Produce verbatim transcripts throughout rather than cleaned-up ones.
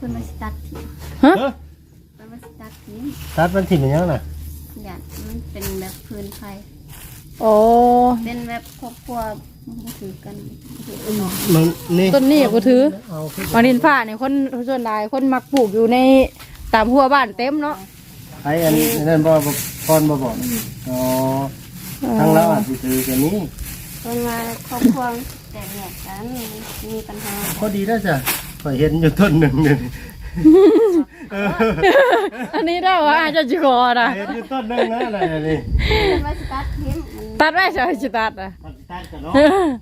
พิ่นมาสตัดทิ้งฮะเพิ่นมาสตัดทิ้งตัดมันถิ่มอย่างน่ะอย่างมันเป็นแบบพื้นไฟโอ้เป็นแบบครอบครัวถือกันถือกันมันนี่ต้นนี้กูถือเอาขึ้นมาดินผ้าเนี่ยคนส่วนหลายคนมักปลูกอยู่ในตามหัวบ้านเต็มเนาะไอ้อันนั้นบ่บ่พรบ่บอกอ๋อทางเราอาจสิถือแค่นี้เพิ่นมาครอบครัวแตกแยกกันมีปัญหาพอดีแล้วจ้ะข่อยเห็นอยู่ต้นหนึ่งเนี่ยเอออันนี้ได้ว่าอาจจะจิคอนะเห็นอยู่ต้นหนึ่งนะอะไรนี่เพิ่นมาสตัดทิ้งมันตัดได้ใช่ไหมจิตัดอ่ะมันตัดกันเนาะ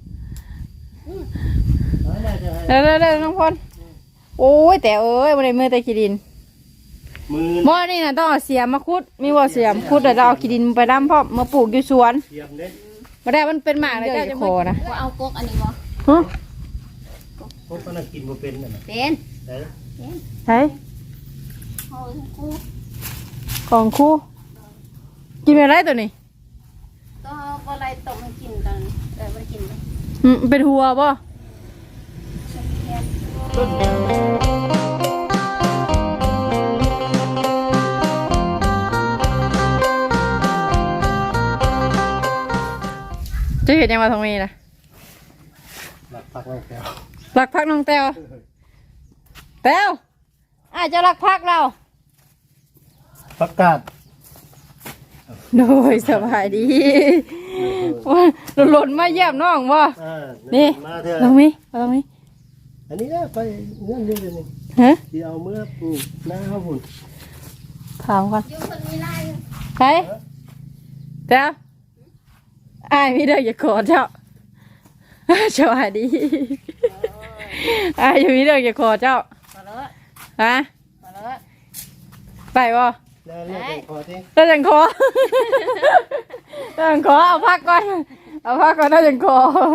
เด้อเด้อเด้อน้องพลโอ้ยแต่เอ้ยมันได้มือแต่ขี้ดินมือหม้อนี่นะต้องเอาเสียมมาคุดมีว่าเสียมคุดแต่เราเอาขี้ดินไปดำเพราะมาปลูกอยู่สวนเทียมเด้มาได้มันเป็นหมากเลยเจ้าจะคอนะว่าเอากกอันนี้บ่ฮะพวกมันกินบ่เป็นน่ะนะเป็นเด้อเป็นใช่เอาคู่ของคู่กินอะไรตัวนี้ต้องเอาอะไรต้มให้กินตอนเออบ่ได้กินเลยอืมเป็นหัวป่ะแค่ต้นจะเห็นยังมาตรงนี้นะหลักปักแล้วแก้วรักพักน้องแต้วแต้วอาจจะรักพักเราประกาศโดยสบายดีว่าหล่นมาเยี่ยมน้องบ่อ่านี่มาเถอะลองมีลองมีอันนี้นะไปเงื่อนเดือนนึงฮะที่เอาเมื่อปลูกหน้าข้าวบุญถามก่อนอยู่คนมีไล่ใครแต้วอ้ายมีเด้ออย่ากอดเจ้าสวัสดีอ้ายมีเด้ออย่ากอดเจ้ามาเลยฮะมาเลยไปบ่แล้วเรียกเป็นคอที่ได้จังคอได้จังคอเอาพักก่อนเอาพักก่อนได้จังคอ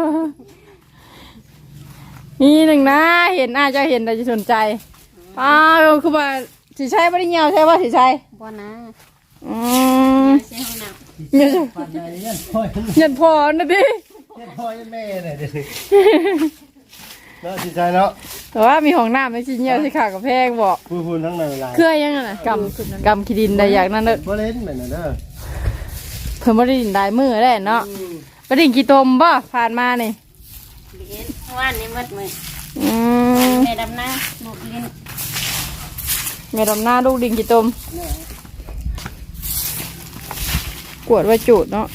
มีหนึ่งนะเห็นอาจจะเห็นแต่จะสนใจอ้าวคือว่าสีชัยไม่ได้เงียวใช่ป่ะสีชัยบ่นะอืมเสียห้องน้เงียวปันใดเงี้ยพ่อยเงียพอนะดิเงี้ยพ่อยแม่เลยเดี๋ยวนี้เนาะจิตใจเนาะแต่ว่ามีห้องน้ำไม่ใช่เงียวที่ขากับแพงบอกพูดพูดทั้งในเวลาเครื่อยังไงนะกำกำขีดินได้อยากนั่นเด้อบ่เล่นเหมือนน่ะเด้อเพิ่นไม่ได้ดินได้มือได้เนาะไปดินกี่ตมบ่ผ่านมานี่ำเลี้ยนว่านนี่หมดมืออืมแม่ดำน้าลูกเลี้ยนแม่ดำหน้าลูกดินกี่ตมกวดไว้จูดเนาะ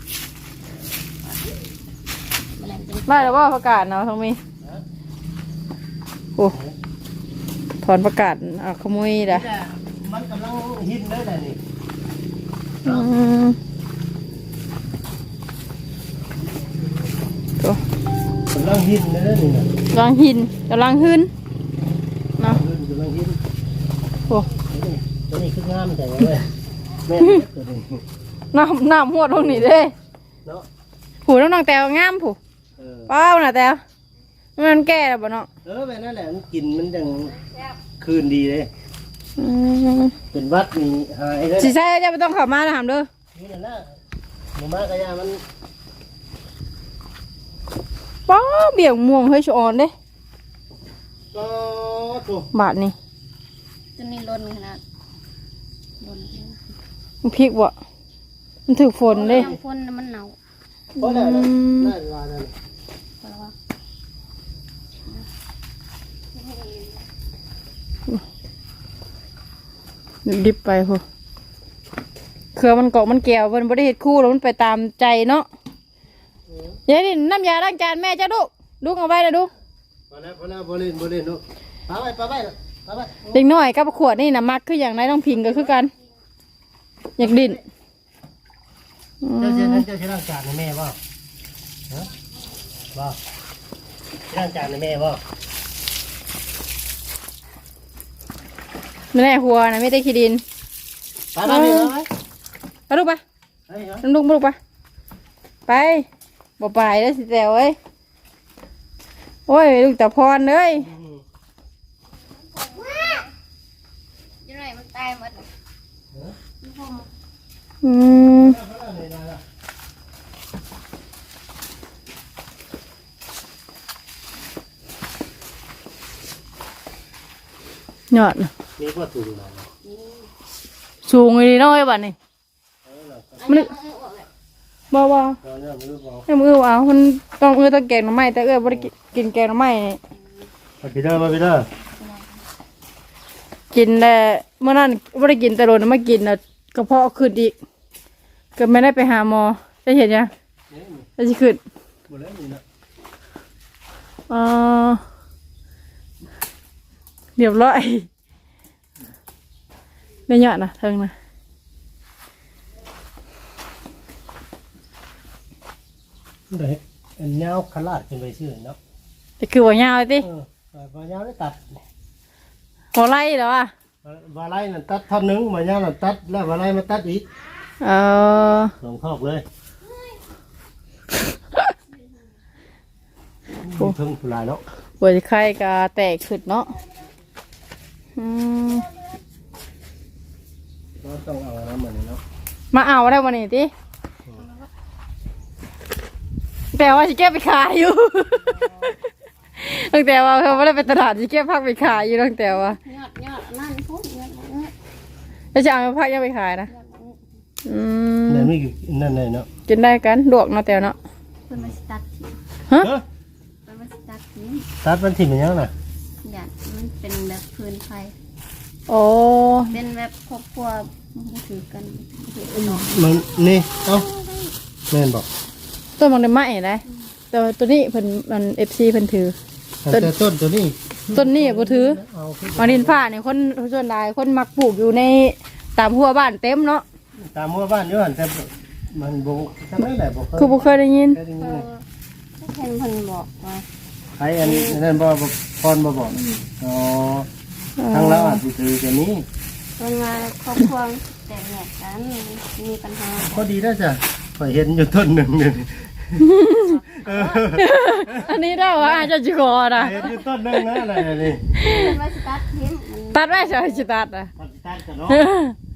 แมลงเป็นได้แล้วว่าประกาศเนาะทองมีโอ้ถอนประกาศอ่ะขโมยด่ะมันกำลังฮิตได้แหละนี่อืมโอ้กำลังฮิตได้แล้วนี่นะกำลังหินกำลังหืนเนาะกำลังฮิตโอ้ตัวนี้คืองามแต่ว่าเลยแม่ตัวนี้น้ำน้ำหัวตรงนี้เด้เนาะผูน้องน้องแตวงามผูเออเป้าน่ะแตวมันแก่แล้วบ่เนาะเออแบบนั้นแหละมันกินมันจังคืนดีเลยอืมเป็นวัดนี่หายเลยสิใช่จะไม่ต้องเข้ามานะถามเด้อนี่นั่นนะหมู่มากระยามันป้าเบี่ยงม่วงเฮ้ยชอนเด้ก็ถูกบาทนี่ตัวนี้ล้นขนาดล้นมันพริกบ่มันถือฝนเด้น้ำพ่นมันหนาวเพราะอะไรน่าจะว่านั่นเพราะว่าดิบไปโหเครือมันเกาะมันแก้วมันบ่ได้เฮ็ดคู่แล้วมันไปตามใจเนาะยายนี่น้ำยาล้างจานแม่จ้าลูกลูกเอาไว้นะลูกพอแล้วพอแล้วบริเวณบริเวณนู้นปาไปปาไปปาไปเด็กน้อยกับขวดนี่นะมักคืออย่างไรต้องพิงก็คือกัน อยากดินเจ้าเจ้าเจ้าชื่อร่างจานในแม่บ่ฮะบ่ร่างจานในแม่บ่ไม่ได้หัวนะไม่ได้ขี้ดินปาไปไปไปไปลูกไปไปเหรอลูกลูกไปไปบ่ไปแล้วสิแต่เอ้ยโอ้ยลูกตาพรเลยยังไงมันตายหมดเลยอืมยอดน่ะมีก็ถุงนะสูงอีน้อยบัดนี้มันบ่บ่ตอนนี้มือบอกให้มือว่ามันต้องมือต้องแกงหน่อไม้แต่เอ้ยบ่ได้กินแกงหน่อไม้นี่มาพี่เด้อมาพี่เด้อกินแต่เมื่อนั้นบ่ได้กินแต่โดนมากินน่ะกระเพาะขึ้นอีกก็ไม่ได้ไปหาหมอจะเห็นยังจะสิขึ้นหมดแล้วนี่นะเออเรียบร้อยได้ยอดนะเทิงนะเดี๋ยวอันเงาขลาดขึ้นไปชื่อเนาะแต่คือว่ายาวเลยติเออมาเงาได้ตัดหัวไล่เหรอวะวาไล่นั่นตัดท่อนหนึงมาเงานั่นตัดแล้ววาไล่มาตัดอีกเออสองคอกเลยถึงผู้ลายเนาะหัวไข่กะแตกขึ้นเนาะอืมก็ต้องเอาน้ำมันเนาะมาเอาได้วันนี้ติแต่ว่าจะเก็บไปขายอยู่ ตั้งแต่ว่าเขาไม่ได้ไปตลาดจะเก็บพักไปขายอยู่ตั้งแต่ว่ายอดยอดนั่นพุ่งยอดยอดแล้วจะเอาไปพักยังไปขายนะอืมนั่นไม่นั่นเลยเนาะกินได้กันลวกเนาะแต่เนาะเป็นมาสตัดทีฮะเป็นมาสตัดทีตัดมันถิ่มมันยังน่ะหยาดมันเป็นแบบพื้นไฟโอ้เป็นแบบครอบครัวถือกันถือกันเนาะมันนี่เอ้าแม่นบอกต้นมังได้ไหมนะแต่ว่าตัวนี้เพิ่นมันเอฟซีเพิ่นถือแต่ต้นตัวนี้ต้นนี้บ่ถือเอาขึ้นมานินผ้าเนี่ยคนส่วนใหญ่คนมักปลูกอยู่ในตามหัวบ้านเต็มเนาะตามหมู่บ้านอยู่หั่นแต่มันบ่ทำได้แหละบ่เคยคือบ่เคยได้ยินเคยได้ยินเอเลยอเพิ่นเพิ่นบอกว่าใครอันอันนั้นบ่บ่พรบ่บอกอ๋อทางเราอาจสิถือกันนี้เพิ่นว่าครอบครัวแตกแยกกันมีปัญหาก็ดีแล้วจ้ะข่อยเห็นอยู่ต้นหนึงนี่เอออันนี้ได้ว่าอาจจะจิกอนะเห็นอยู่ต้นหนึงนะอะไรนี่เป็นมาสตัดทีมันตัดไว้ใช่สิตัดอ่ะมันสิตัดกันเนาะเออ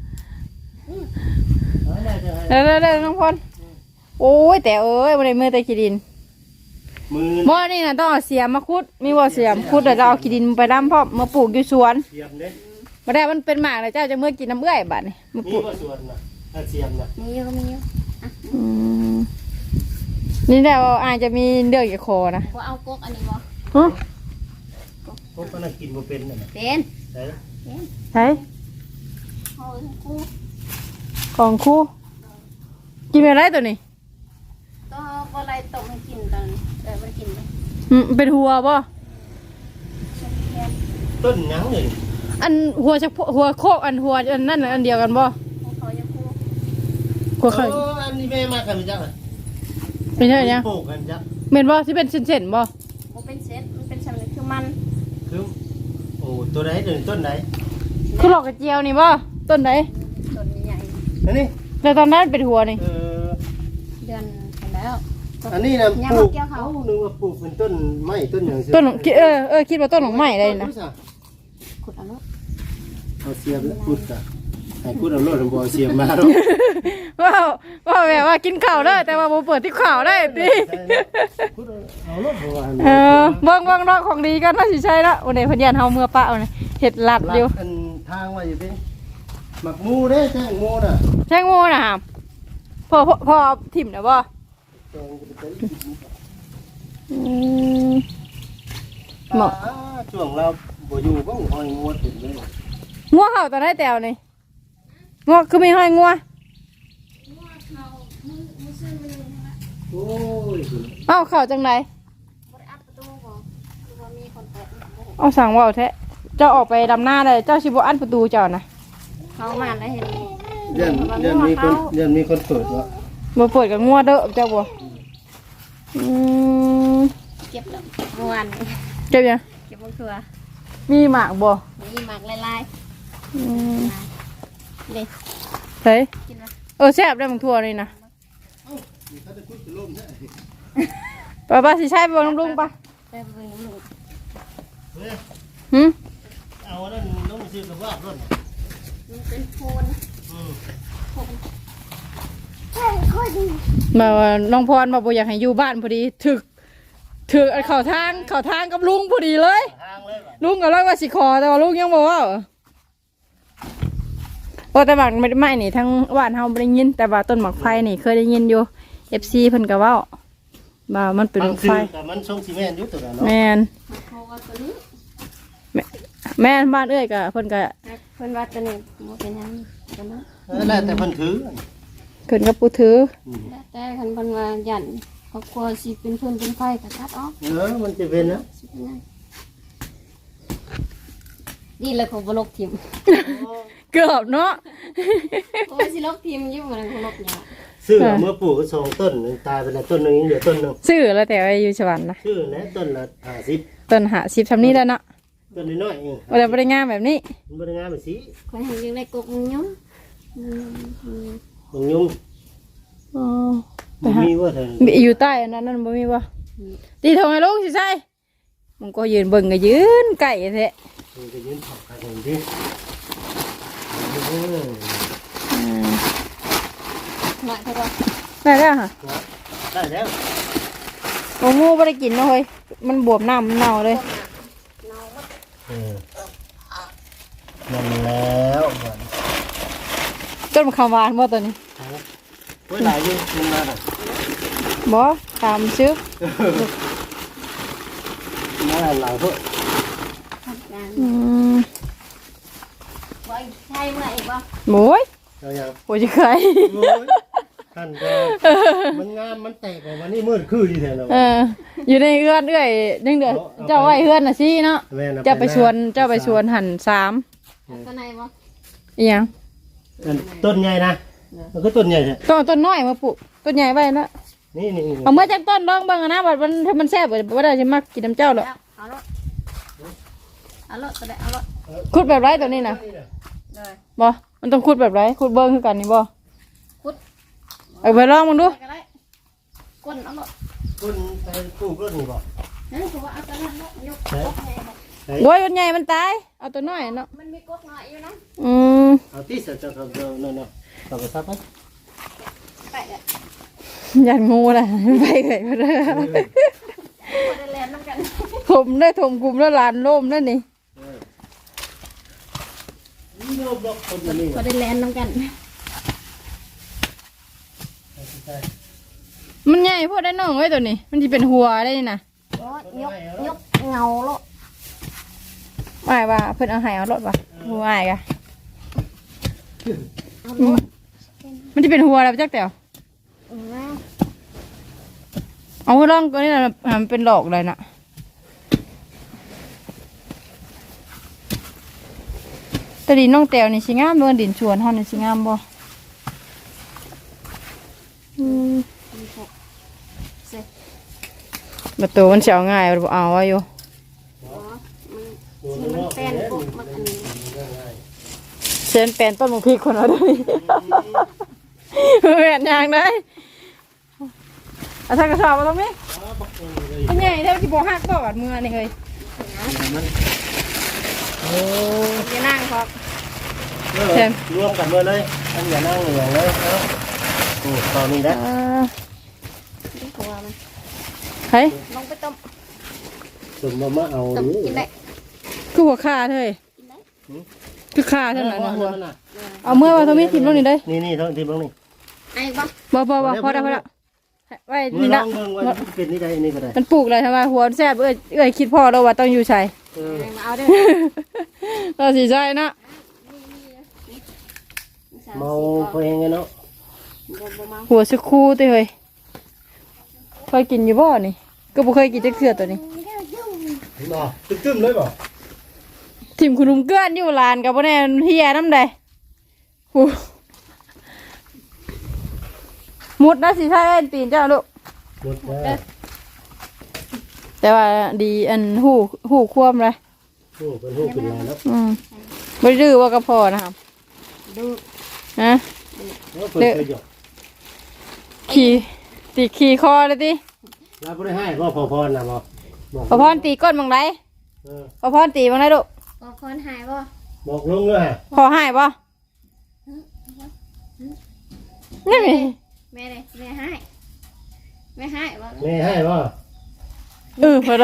เออได้จ้ะเด้อเด้อน้องพลโอ้ยแต่เอ้ยบ่ได้มือแต่ขี้ดินมือบ่นี่น่ะต้องเอาเสียมมาขุดมีบ่เสียมขุดแล้วจะเอาขี้ดินไปดำพร้อมมาปลูกอยู่สวนเสียมเด้บ่ได้มันเป็นหมากแล้วเจ้าจะเมื่อกินน้ำเอื้อยบัดนี้มาปมีลูกบ่สวนน่ะถ้าเสียมน่ะมีอยู่ก็มีอยู่อืมนี่แหละว่าอาจจะมีเรื่องอย่าคอนะบ่เอากกอันนี้บ่ฮะพวกมันนะกินบ่เป็นน่ะนะเป็นได้ใช่เอาทั้งคู่ของครูกินอะไรตัวนี้ก็บ่อะไรตกให้กินตอนเออบ่ได้กินเลยอืมเป็นหัวป่ะแค่ต้นหยังเลยอันหัวชักหัวโคกอันหัวอันนั่นน่ะอันเดียวกันป่ะพวกเขาจะคู่หัวไข่โอ้อันนี้แม่มากันจังน่ะไม่ใช่เนี่ยปลูกกันจ้ะเม็นป่ะที่เป็นเส้นๆป่ะบ่เป็นเซตมันเป็นสำเร็จคือมันคือโอ้ตัวไหนตัวนี้ต้นไหนคือหลอกกระเจียวนี่ป่ะต้นไหนต้นใหญ่อันนี้แต่ตอนนั้นเป็นหัวนี่เออเดือนกันแล้วอันนี้นะยังปลูบ่กเกี่ยวเขานึกว่าปลูกเป็นต้นไม้ต้นอย่างต้นของคิดเออเออคิดว่าต้นของใหม่เลยนะขุดเอาลูกเอาเสียบแล้วพูดจ้ะให้พูดเอาโลดเอาบ่เอาเสียบมาเนาะว้าวว้าวแบบว่ากินข้าวได้แต่ว่าโมเปิดที่ข้าวได้ติพูดเอาโลดบ่ว่าเออเบิ่งเบิ่งน้องของดีกันน่าสิใช่ละวันนี้เพิ่นยันเฮาเมื่อปะเอานี่เฮ็ดลัดอยู่อันทางว่าอยู่ดิหมักหมูเด้แจ้งหมูน่ะแช่งโมนะฮะพ่อพ่อพ่อเอาถิ่มนะบ่จงจะไปอืมเหมาะอ่าช่วงเราบ่อยู่ก็หอยงูถึงเลยงัวเห่าตอนได้แตวนี่งัวคือมีห้อยงัวโอ้ยเอ้าเข่าจังไดบ่ได้อัดประตูบ่คือว่ามีคนเปิดบ่เอาสั่งว่าวแท้เจ้าออกไปดำหน้าเลยเจ้าสิบ่อันประตูเจ้านะเขามาแล้วเห็นเดือนเดือนมีคนเดือนมีคนเปิดวะบ่เปิดกับงัวเด้อเจ้าบ่อืมเก็บแล้วเมื่อวานเก็บยังเก็บมะเขือมีหมากบ่มีหมากลายอืมๆนี่เฮ้ยกินมาเออแซ่บได้บางทั่วนี่นะป้าป้าสิใช้ไปบ่ลุงป่ะไปเบิ่งลูกหึเอาอันนั้นน้องซื้อกับว่าร่นมันเป็นโพนอืมใช่ค่อยดีมาว่าน้องพรมาบ่อยากให้อยู่บ้านพอดีถึกถึกเข้าทางเข้าทางกับลุงพอดีเลยทางเลยลุงก็เลยว่าสิขอแต่ว่าลุงยังบอกว่าโอ้แต่หมากไม่ไม่นี่ทั้งบ้านเฮาบ่ได้ยินแต่ว่าต้นหมากไฟนี่เคยได้ยินอยู่ เอฟ ซี เพิ่นก็เว้าว่ามันเป็นบางไฟซื้อแต่มันทรงซีเมนต์อยู่ตัวนั้นเนาะแม่นเขาว่าตัวนี้แม่นบ้านเอ้ยก็เพิ่นก็เพิ่นว่าตัวนี้บ่เป็นหยังตัวนั้นแล้วแต่เพิ่นถือเพิ่นก็ปูถือแล้วแต่คันเพิ่นว่ายันครอบครัวสิเป็นเพิ่นเป็นไฟก็ตัดออกเออมันจะเป็นนะสิเป็นหยังนี่เลยของบ่ลกทิ่มเกือบเนาะโอ้ยสิลกทิ่มอยู่บ่ได้ของลกหยังซื้อเมื่อปลูกก็สองต้นตายไปแล้วต้นนึงยังเหลือต้นนึงซื้อแล้วแต่ว่าอยู่สวรรค์นะซื้อนะต้นละห้าสิบต้นหาสิบทำนี้แล้วเนาะต้นน้อยๆเองว่าแต่บ่ได้งามแบบนี้มันบ่ได้งามแบบสิข่อยให้อยู่ในกกมันยุ่งอืมอืมมันยุ่งอ๋อบ่มีว่าเถิงมีอยู่ใต้อันนั้นนั่นบ่มีบ่ตีทงให้ลุงสิใช่มันก็ยืนเบิ่งก็ยืนไก่แท้มันจะยืนถอดกันอย่างที่เอออืมหน่อยเท่าว่าได้แล้วค่ะได้แล้วโอ้งูบ่ได้กินเนาะเฮ้ยมันบวมน้ำมันเน่าเลยเออนั่นแล้วมันต้นมะขามหวานบ่ตัวนี้โอ้ยหลายอยู่มันมาน่ะบ่ตามซื้อมาหลายพวกทำงานอืมบ่ใช่เมื่ออีกบ่โอ้ยเอาอย่างโอ้ยจะเคยโอ้ยท่านก็มันงามมันแตกออกมานี่มืดคืออยู่แถวนั้นเอออยู่ในเฮือนเอ้ยยังเดือเจ้าไว้เฮือนน่ะสิเนาะแม่น่ะเจ้าไปชวนเจ้าไปชวนหันสามตัวไหนบ่อีหยังอันต้นใหญ่นะมันก็ต้นใหญ่ใช่ต้นต้นน้อยมาปลูกต้นใหญ่ไว้นะนี่นี่นี่เอาเมื่อจากต้นลองเบิ่งอะนะบัดมันถ้ามันแซ่บบัดบ่ได้สิมักกินน้ำเจ้าหรอกเอารถเอารถตัวใดเอารถขุดแบบไรตัวนี้น่ะเลยบ่มันต้องขุดแบบไรขุดเบิ่งคือกันนี่บ่ขุดเอาไปลองมึงดูก็ได้ก้นเอารถต้นไปปลูกต้นนี่บ่นั่นคือว่าเอาตัวนั้นเนาะยกกกให้ครับโอ้ยมันใหญ่มันตายเอาตัวน้อยเนาะมันมีกกน้อยอยู่นะอืมเอาที่เสร็จแล้วก็เดินนั่นๆเอาไปซับไปไปเด้อยันงูน่ะไปเลยบ่ได้บ่ได้แล่นนำกันถมได้ถมกลุ่มแล้วลานล่มนั่นนี่นี่โยมบอกคนนี้บ่ได้แล่นนำกันมันใหญ่พอได้น้องไว้ตัวนี้ มันสิเป็นหัวได้นี่น่ะโอ้ยกยกเงาโลดว่าว่าเพิ่นเอาให้เอารถว่ะหัวอ้ายกะเอาโลดมันสิเป็นหัวแล้วจักแต๋วอือเอาลองตัวนี้น่ะมันเป็นดอกเลยน่ะแตะดินน้องแต๋วนี่สิงามเบิ่งดินชวนเฮานี่สิงามบ่อืมเสร็จประตูมันสิเอาง่ายบ่เอาไว้อยู่อ๋อมันที่มันเป็นกกมันอันนี้เส้นเป็นต้นมะพริกคนเอาด้วยแม่นยางได้เอาทางกระสอบมาตรงนี้อันใหญ่เท่าที่บอกหักบอกอัดมือนี่เลยโอ้อย่านั่งครับรวมกันมาเลยอันอย่านั่งอย่างเลยเนาะโอ้ตอนนี้นะอ่านี่หัวมันเฮ้ยลงไปต้มสมมามาเอาต้มดิกินได้คือหัวขาเธอกินได้คือขาเท่านั้นนะหัวน่ะเอาเมื่อว่าตรงนี้ทิมลงนี่เลยนี่นี่ท้องทีบ้างนี่ไอ้บ่บ่บ่บ่พอแล้วพอแล้วไว้มือนี่ลละองเบิ่งว่าเป็นนี่ได้นี่ก็ได้มันปลูกเลยทำไมหัวแซ่บเอ้ยเอ้ยคิดพ่อแล้วว่าต้องอยู่ใส่เออมาเอาเด้อเราสีใจนะเมาเพลงไงเนาะบ่บ่เมาหัวสคูติเฮ้ยเคยกินอยู่บ่นี่ก็บ่เคยกินจักเทื่อตัวนี้บ่ตึ้มๆเลยบ่ทิมคุณลุงเกื้อนอยู่ลานกับบ่แน่เฮียน้ำใดหูมุดนะสิใช่ปีนเจ้าลูกหมดแล้วแต่ว่าดีอันหูหูควมเลยโอ้เป็นหูกินแล้วเนาะอืมบ่ได้ดื้อว่าก็พอนะครับดูฮะแล้วเปิดเคยหยอกขี่ตีขี่คอเลยติเราไม่ได้ให้พ่อพอพรนะบ่บอกพอพรตีก้นบังไดเออพอพรตีบังไดลูกบ่คนหายบ่บอกลุงเลยพอให้บ่นี่มีแม่เด้แม่หายแม่หายบ่แม่ให้บ่แเออพอแล้ว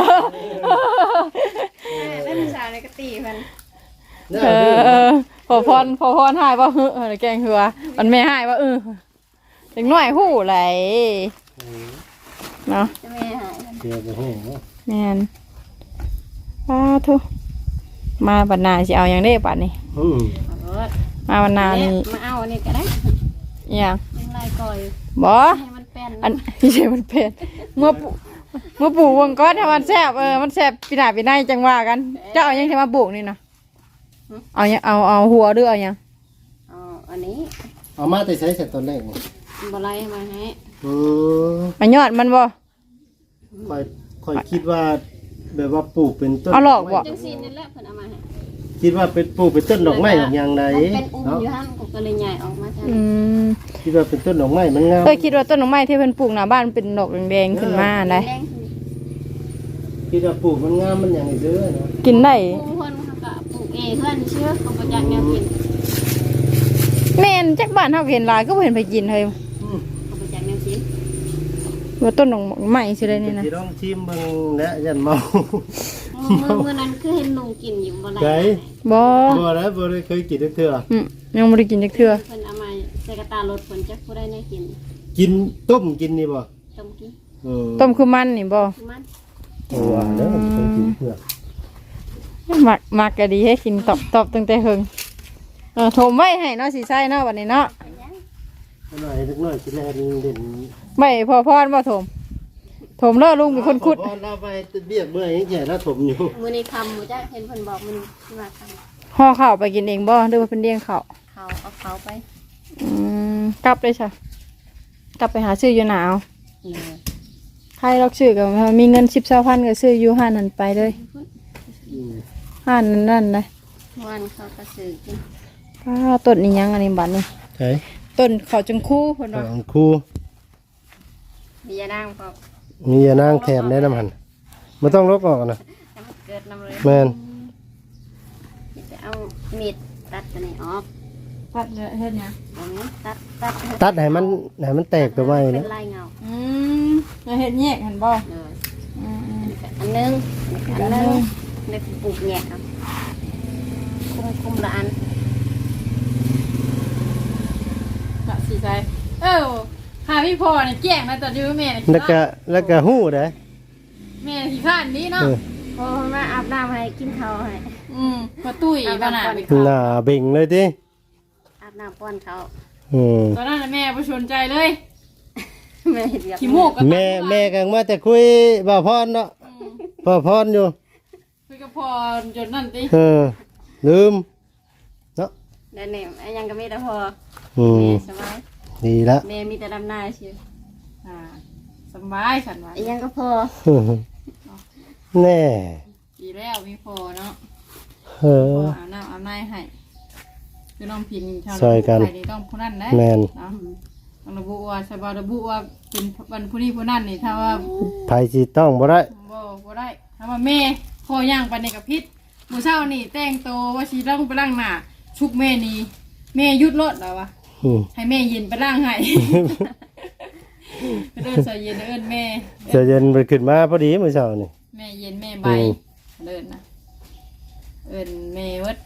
ได้เป็นสาวในกะตีมันน่าเอดื้ออเออพอพรพอพรหายว่าเฮ้อแกงเหือมันไม่หายว่าเออเด็กน้อยหู้ไหลเนาะจะไม่หายเสียไปให้เนาะแม่นป้าทุมาบรรณาสิเอาอย่างเด้ป่านนี้อืมมาบรรณานี่มาเอาอันนี้ก็ได้อหย่างยังลายก่อยบ่ให้มันเป็นอันที่ใช่มันเป็นเมื่อปูเมื่อปลูกวงก้อนให้มันแซ่บเออมันแซ่บปีหน้าปีหน้าจังว่ากันเจ้าเอาหยังจะมาปลูกนี่นะเอาหยังเอาเอาหัวหรือเอาหยังอ๋ออันนี้เอามาแต่ใช้เสร็จตอนแรกนี่บไลมาให้อืมมายอดมันบ่ค่อยค่อยคิดว่า แบบว่าปลูกเป็นต้นเอาหลอกบ่จังซีนี่แหละเพิ่นเอามาให้คิดว่าเป็นปลูกเป็นต้นดอกไม้อย่างไรมันเป็นอุ้มเนาะอยู่หั่นก็ก็เลยใหญ่ออกมาจ้ะอืมคิดว่าเป็นต้นดอกไม้มันงามเคยคิดว่าต้นดอกไม้ที่เพิ่นปลูกหน้าบ้านเป็นดอกแดงๆขึ้นมาได้แดงคิดว่าปลูกมันงามมันอย่างไรเด้อเนาะกินได้ปลูกเพิ่นเขาก็ปลูกเองเพิ่นเชื่อเขาบ่จักแนวกินแม่นจักบ้านเฮาก็เห็นหลายก็บ่เห็นไปกินเฮ้ยอืมเขาบ่จักแนวกินว่าต้นดอกไม้สิได้นี่นะสิลองชิมเบิ่งและยันเมามื้อมื้อนั้นคือเห็นลุงกินอยู่บ่ไลไกบ่บ่ได้บ่ได้เคยกินเทื่ออืมยังบ่ได้กินจักเทื่อเพิ่นเอามาใส่กระตารถเพิ่นจักผู้ใดได้กินกินต้มกินนี่บ่ต้มกินเออต้มคือมันนี่บ่คือมันเออว่าแล้วเคยกินเทื่อมักมักก็ดีให้กินตอบตอบตั้งแต่เฮิงเออโถมไว้ให้เนาะสิใส่เนาะบัดนี้เนาะหน่อยเล็กน้อยกินแลเด่นไว้พอพรบ่โถมโถมเด้อลุงเป็นคนขุดพอเราไปเบี้ยเมื่อยยังแก่แล้วถมอยู่มื้อนี้คำบ่จักเห็นเพิ่นบอกมื้อนี้ที่ว่าคำห่อข้าวไปกินเองบ่หรือว่าเป็นเลี้ยงข้าวเขาเอาเขาไปอืมกลับเลยจ้ะกลับไปหาซื้ออยู่หนาวเออใครรักซื้อก็มีเงินสิบเช้าพันก็ซื้ออยู่ห้านนั้นไปเลยอืมห้านนั้นนั่นเลยวันเขาก็ซื้อกินป้าต้นนี้ยังอันนี้บัดนี้ใช่ต้นเขาจังคู่เพิ่นขว่าองครูมียานางพอมียานางแถมได้น้ำหันไม่ต้องลบออกนะให้มันเกิดน้ำเลยแมนจะเอามีดตัดตัวนี้ออกปัดเฮ็ดหยังเอานี้ตัดตัดตัดให้มันให้มันแตกตัวไว้เป็นะนลายเงาอืมแล้วเฮ็ดแยกหั่นบ่เลยอืมอันหนึงอันหนึงเด็กปลูกแยกเอาคุมคุมละอันๆละสิใส่เอ้าหาพี่พ่อนี่แจ้งนะตอนอยู่แม่นี่แล้วก็แล้วก็หู้ได้แม่ขี้ข้านนี้เนาะเออพอมาอาบน้ำให้กินข้าวให้อืมบ่ตุ้ยบ้านน่ะหน้าเบ่งเลยดิอาบน้ำป้อนเขาอืมตอนนั้นน่ะแม่บ่สนใจเลยแม่เรียกขี้มูกก็แม่แม่กังมาแต่คุยบ่าวพรเนาะบ่าวพรอยู่คุยกับพ่อจนนั่นติเออลืมเนาะเดี๋ยวนี้ไอ้ยังก็มีแต่พออืมแม่สบายดีละแม่มีแต่ดำนาเชียวอ่าสบายฉันว่าไอ้ยังก็พอแน่ดีแล้วมีพ่อเนาะเอออาบน้ำอาบน้ำให้คือน้องพินชาวซอยกันใครนี่ต้องผู้นั้นนะแม่นเนาะต้องระบุว่าชาวบ้านระบุว่าเป็นวันผู้นี้ผู้นั้นนี่ถ้าว่าไผสิต้องบ่ได้บ่บ่ได้ถ้าว่าแม่พ่อย่างไปในกับพิษมื้อเช้านี่แต่งโตวว่าสิต้องไปล้างหน้าชุกแม่นี่แม่หยุดรถแล้ววะอืมให้แม่เย็นไปล้างให้ ไปเดินใส่เย็นเอิ้นแม่เจะเย็นไปขึ้นมาพอดีมื้อเช้านี่แม่เย็นแม่ใบอืมเดินนะเอิ้นแม่เวิด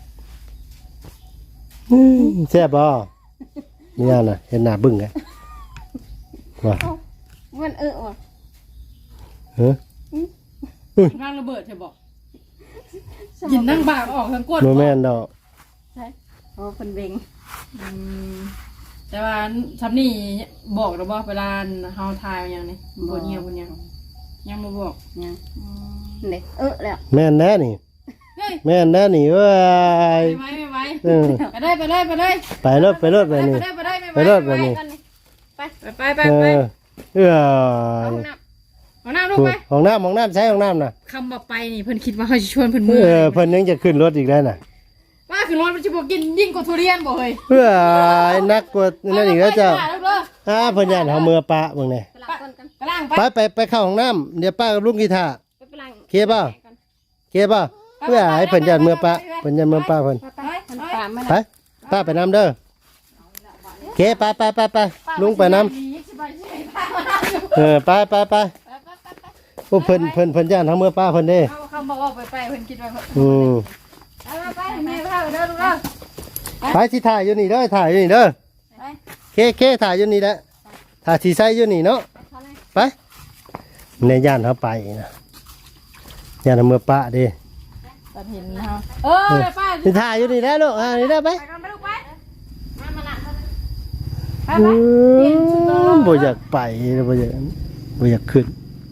แซ่บบ่มีอันน่ะเห็นหน้าบึ้งไงว่ามันเออว่ะเฮ้อร่างระเบิดใช่บอกยินนั่งบากออกทั้งก้นบ่แม่นดอกใช่โอ้คนเบ่งอืมแต่ว่าทำนี่บอกเราบอกเวลาเฮาทายอย่างนี้บนเงียบบนยังยังมาบอกยังเด็กเออแล้วแม่นแน่นี่เฮ้ยแม่นแน่นี่เว้ยไปไหมไปไหมเออไปเลยไปเลยไปเลยไปรถไปรถไปแบบนี้เลยไปเลยไปรถแบบนี้ไปไปไปเอไปอเออเอาน้เอาหน้าลูกไปห้องน้ำห้องน้ำใช้ห้องน้ำน่ะคำบอกไปนี่เพิ่นคิดว่าเขาจะชวนเพิ่นเอมืออเพิ่นยังจะขึ้นรถอีกได้น่ะว่าคือรถมันจะบอกกินยิ่งกว่าทุเรียนบ่เฮ้ยเพื่อนักกว่านั่นอีกแล้วเจ้าไปลูกเด้ออ้าเพิ่นย่านเฮามือปะเบิ่งนี่ำไปล้างก้นกันไปล้างไปไปไปไปเข้าห้องน้ำเดี๋ยวป้ากับลุงกีตาร์ไปไปล้างเคลียร์เปล่า เคลียร์เปล่าเพื่อให้เพิ่นย่านมือปะเพิ่นย่านมือปะเพิ่นไปมันไปปามมันไปป้าไปน้ำเด้อเคไปไปไปไปลุงไปน้ำเออไปไปไปไปโอ้เพิ่นเพิ่นเพิ่นย่านทั้งเมื่อป้าเพิ่นเด้เขาเขาบอกว่าไปไปเพิ่นคิดว่าอืมเอาไปไปแม่พาไปเด้อลูกเด้อไปสิถ่ายอยู่นี่เด้อถ่ายอยู่นี่เด้อไปเคเคถ่ายอยู่นี่แหละถ่ายสีใสอยู่นี่เนาะไปในย่านเขาไปนะย่านทั้งเมื่อป้าเด้ตัดเห็นเฮาเออไปป้าสิถ่ายอยู่นี่ได้ลูกอ่านี่ได้ไปไปกันไปลูกไปมามาละไปอืไปเปลี่ยนชุดนอนมบ่อยากไปบ่อยากบ่อยากขึ้น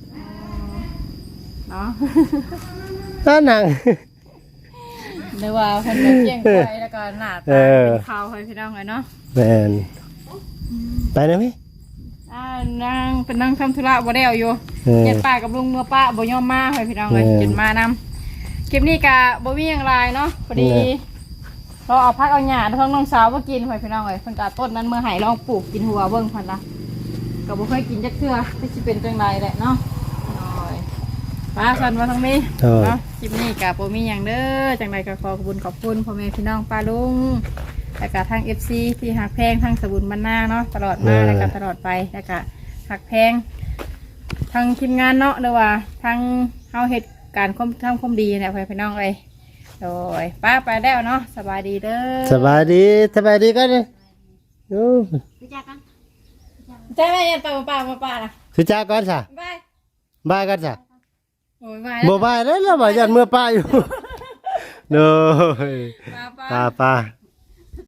เนาะถ้านั่งเดี๋ยวว่าเพิ่นจะเที่ยงไปแล้วก็หน้าตาเป็นขาวให้พี่น้องเลยเนาะแม่นไปได้ไหมอ่านางเป็นนางทำธุระบ่ได้เอาอยู่เออเจ็ดป้ากับลุงเมื่อป้าบ่ยอมมาให้พี่น้องเลยเออจนมานำคลิปนี้กะบ่มีอย่างไรเนาะพอดีเออเราเอาพักเอาหญ้าทั้งน้องสาวมากินให้พี่น้องเลยเพิ่นกะต้นนั้นเมื่อไหลองปลูกกินหัวเบิ่งเพิ่นละก็บ่เคยกินจักเทื่อแต่สิเป็นจังไดแหละเนาะน้อยป้าสันว่าทั้งนี้เออเนาะคลิปนี้กะบ่มีหยังเด้อจังไดก็ขอขอบคุณขอบคุณพ่อแม่พี่น้องป้าลุงแล้วก็ทาง เอฟ ซี ที่หักแพงทางสบุญบรรณาเนาะตลอดมาแล้วก็ตลอดไปแล้วก็หักแพงทางทีมงานเนาะหรือว่าทางเฮาเฮ็ดการความทำความดีเนี่ยพ่อแม่พี่น้องเอ้ยโดยป้าไปแล้วเนาะสบายดีเด้อสบายดีสบายดีกันเลยโอ้ไปจ้ากันใช่ไหมยันป้าป้าป้าป้าน่ะสุจ้าก่อนซะบายบายกันซะโอ้ยบายบ่บายแล้วแล้วบ่ยันเมื่อป้าอยู่ เด้อป้าป้าป้าป้า